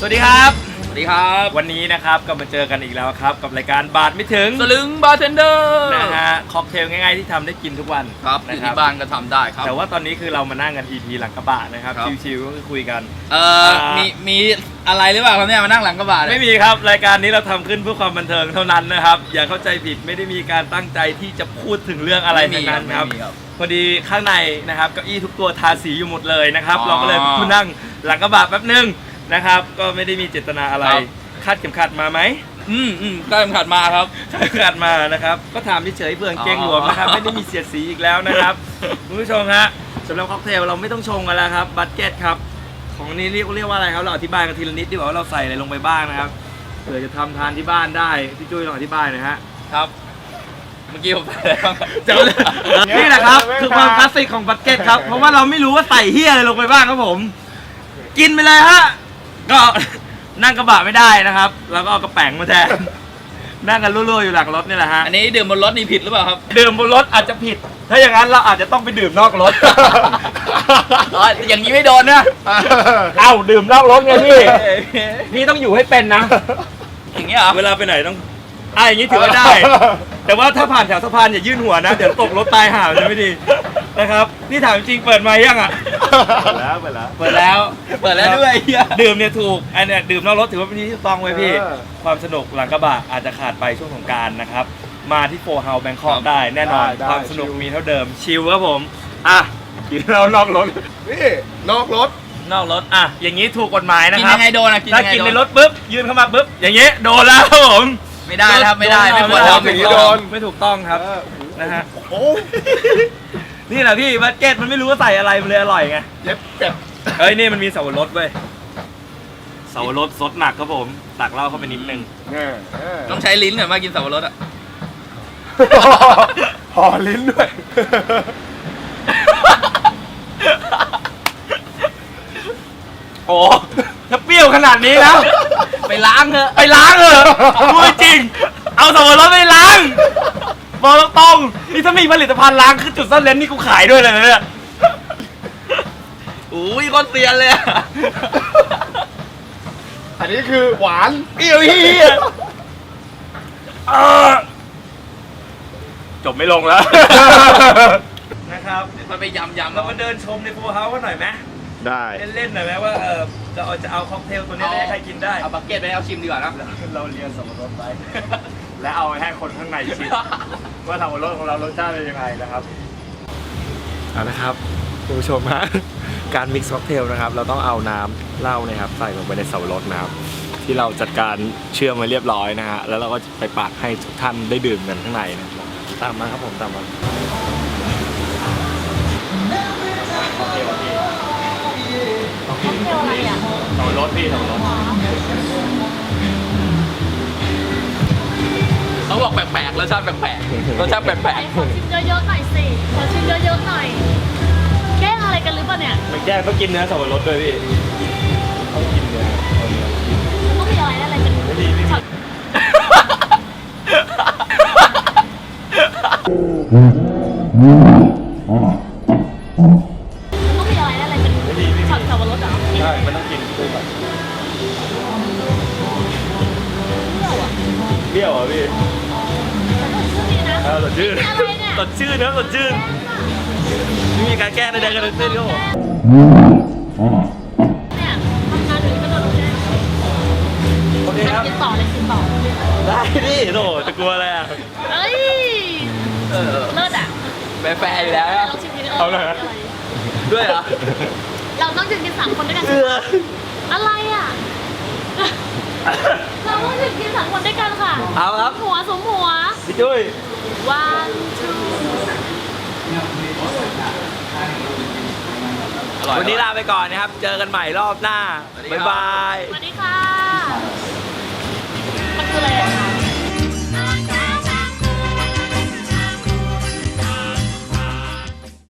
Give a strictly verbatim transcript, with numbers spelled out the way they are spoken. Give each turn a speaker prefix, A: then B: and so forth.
A: วัสดีครับ
B: สวัสดีครับ
A: วันนี้นะครับก็มาเจอกันอีกแล้วครับกับรายการบาทไม่ถึง
B: สลึงบาร์เทนเดอร์
A: นะฮะค็อกเทลง่ายๆที่ทำได้กินทุกวัน
B: ครับอยู่ที่บ้านก็ทำได้ครับ
A: แต่ว่าตอนนี้คือเรามานั่งกัน อี พี หลังกระบะนะครับชิวๆก็คือคุยกัน
B: เอ่อมีมีอะไรหรือเปล่าครับเนี่ยมานั่งหลังกระบะ
A: ไม่มีครับรายการนี้เราทำขึ้นเพื่อความบันเทิงเท่านั้นนะครับอย่าเข้าใจผิดไม่ได้มีการตั้งใจที่จะพูดถึงเรื่องอะไรทั้งนั้นครับพอดีข้างในนะครับเก้าอี้ทุกตัวทาสีอยู่หมดเลยนะครับเราก็เลยมานั่งหลังกระบะแป๊บนึงนะครับก็ไม่ได้มีเจตนาอะไรคาดเข็มขัดมาไหม
B: อืมอืมคาดเข็มขัดมาครับ
A: คาดเข็มขัดมานะครับก็ถามเฉยๆเพื่อเกงหลวมนะครับไม่ได้มีเสียดสีอีกแล้วนะครับคุณผู้ชมฮะสำหรับค็อกเทลเราไม่ต้องชงกันแล้วครับบัตเก็ตครับของนี้เรียกเรียกว่าอะไรครับเราอธิบายกันทีละนิดดีกว่าว่าเราใส่อะไรลงไปบ้างนะครับเผื่อจะทำทานที่บ้านได้พี่จุ้ยลองอธิบายหน่อยฮะ
B: ครับเมื่อกี้ผมใส่อะไรบ้าง
A: นี่แหละครับคือความคลาสสิกของบัตเก็ตครับเพราะว่าเราไม่รู้ว่าใส่เฮียอะไรลงไปบ้างครับผมกินไปเลยฮะก็นั่งกระบะไม่ได้นะครับแล้วก็เอากระแป๋งมาแทนนั่งกันรั่วๆอยู่หลังรถนี่แหละฮะ
B: อันนี้ดื่มบนรถนี่ผิดหรือเปล่าครับ
A: ดื่มบนรถอาจจะผิดถ้าอย่างนั้นเราอาจจะต้องไปดื่มนอกรถ
B: อย่างนี้ไม่โดนนะ
A: เอ้าดื่มนอกรถไงพี่พี่ต้องอยู่ให้เป็นนะ
B: อย่างนี้เหรอ
A: เวลาไปไหนต้องอ่ะอย่างนี้ถือว่าได้แต่ว่าถ้าผ่านแถวสะพานอย่ายื่นหัวนะเดี๋ยวตกรถตายห่าจะไม่ดีนะครับนี่ถามจริงเปิดมายังอ่ะ
B: เปิดแล้วเปิดแล้วเปิดแล้วเปิดแล้วด้วย
A: ดื่มเนี่ยถูกอันเนี้ยดื่มนอกรถถือว่าเป็นที่ต้องไว้พี่ความสนุกหลังกระบะอาจจะขาดไปช่วงสงกรานต์นะครับมาที่โฟร์เฮาส์แบงคอกได้แน่นอนความสนุกมีเท่าเดิมชิลครับผมอ่ะกินเรานอกรถ
C: นี่นอกรถ
A: นอกรถอ่ะอย่างนี้ถูกกฎหมายนะครับ
B: กินยังไงโดนอ่ะ
A: ถ้ากินในรถปุ๊บยืนเข้ามาปุ๊บอย่างนี้โดนแล้วครับผม
B: ไม่ได้ครับไม่ได้ไม่ควรทำ
A: อย่างนี้โดนไม่ถูกต้องครับนะฮะโอ้นี่แหละพี่บัตเก็ตมันไม่รู้ว่าใส่อะไรมันเลยอร่อยไง
C: เย็บเก็บ
A: เฮ้ยนี่มันมีเสาวรสเว้ยเสาวรสซดหนักครับผมตักเหล้าเข้าไปนิดนึง
B: ต้องใช้ลิ้นเหรอมากินเสาวรสอ่ะ
C: ห่อลิ้นด้วย
A: โอ้ถ้าเปรี้ยวขนาดนี้แล้ว
B: ไปล้างเถอะ
A: ไปล้างเถอะพูดจริงเอาเสาวรสไปล้างบอกตรงๆนี่ถ้ามีผลิตภัณฑ์ล้างคือจุดซ่อนเลนนี่กูขายด้วยเลยนะเนี่ย
B: อุ้ยก้อนเตียนเลย
C: อันนี้คือหวาน
A: เปรี้ยวเฮียจบไม่ลงแล้วนะครับ
B: มันไปยำยำ
A: เรามาเดินชมในโฟร์เฮาส์กันหน่อยไหม
C: ได้
A: เล่นๆหน่อยไหมว่าเออจะเอาจะเอาค็อกเทลตัวนี้ให้ใครกินได้
B: เอาบักเก็ตไปเอาชิมดีกว่านะ
A: เราเรียนสับปะรดไปและเอาให้คนข้างในชิมว่าสับปะรดของเรารสชาติเป็นยังไงนะครับเอาละครับคุณผู้ชมฮะการมิกซ์ค็อกเทลนะครับเราต้องเอาน้ำเหล้านะครับใส่ลงไปในสับปะรดนะครับที่เราจัดการเชื่อมมาเรียบร้อยนะฮะแล้วเราก็ไปปากให้ทุกท่านได้ดื่มกันข้างในนะตามมาครับผมตามมาค็อกเทลพี่ค็อกเทลอะไรอ่ะสับปะรดพี่สับปะรด
B: เขาบอกแปลกๆรสชาติแปลกๆรสชาติแปลก
D: ๆขอชิมเยอะๆหน่อยสิขอชิมเยอะๆหน่อยแกล้งอะไรกันหรือเปล่าเนี่ย
A: ไม่แกล้งต้องกินเนื้อสับปะรดด้วยพี่ต้องกินเนื้อเอาเนื้อ
D: ต้องมีอะไรอะไรเป็น
A: ไม่ดีไม่ดี
D: ต้องมีอะไรอะไรเป็นช็อตสับปะรดเหรอ
A: ใช่มันต้องกินคู่กันเปรี้ยวอ่ะพี่เออสดชื่นสดชื่นนะสดชื่นไม่มีการแก้ในใดกันทั้งสิ้นครับผม
D: เนี่ยทำงานอยู่ก็โดนแก้
A: โอเคครับ
D: กินต่อเลยกินต่อ
A: ได้ดิโธ่จะกลัวอะไรอ่ะ
D: เอ้ยเลิศอ่ะ
B: แฟร์อยู่แล้ว
A: เอาเลย
B: ด้วยเหรอ
D: เราต้องกินกันสามคนด้วยกันอะไรอ่ะเราต้องถึงกินสามคนด้วยกันค่ะ
B: เอาครับ
D: หัวสมหัว
A: พี่จุ้ย
D: one two
A: วันนี้ลาไปก่อนนะครับเจอกันใหม่รอบหน้าบ๊ายบาย
D: สวัสดีค่ะมันคืออะไร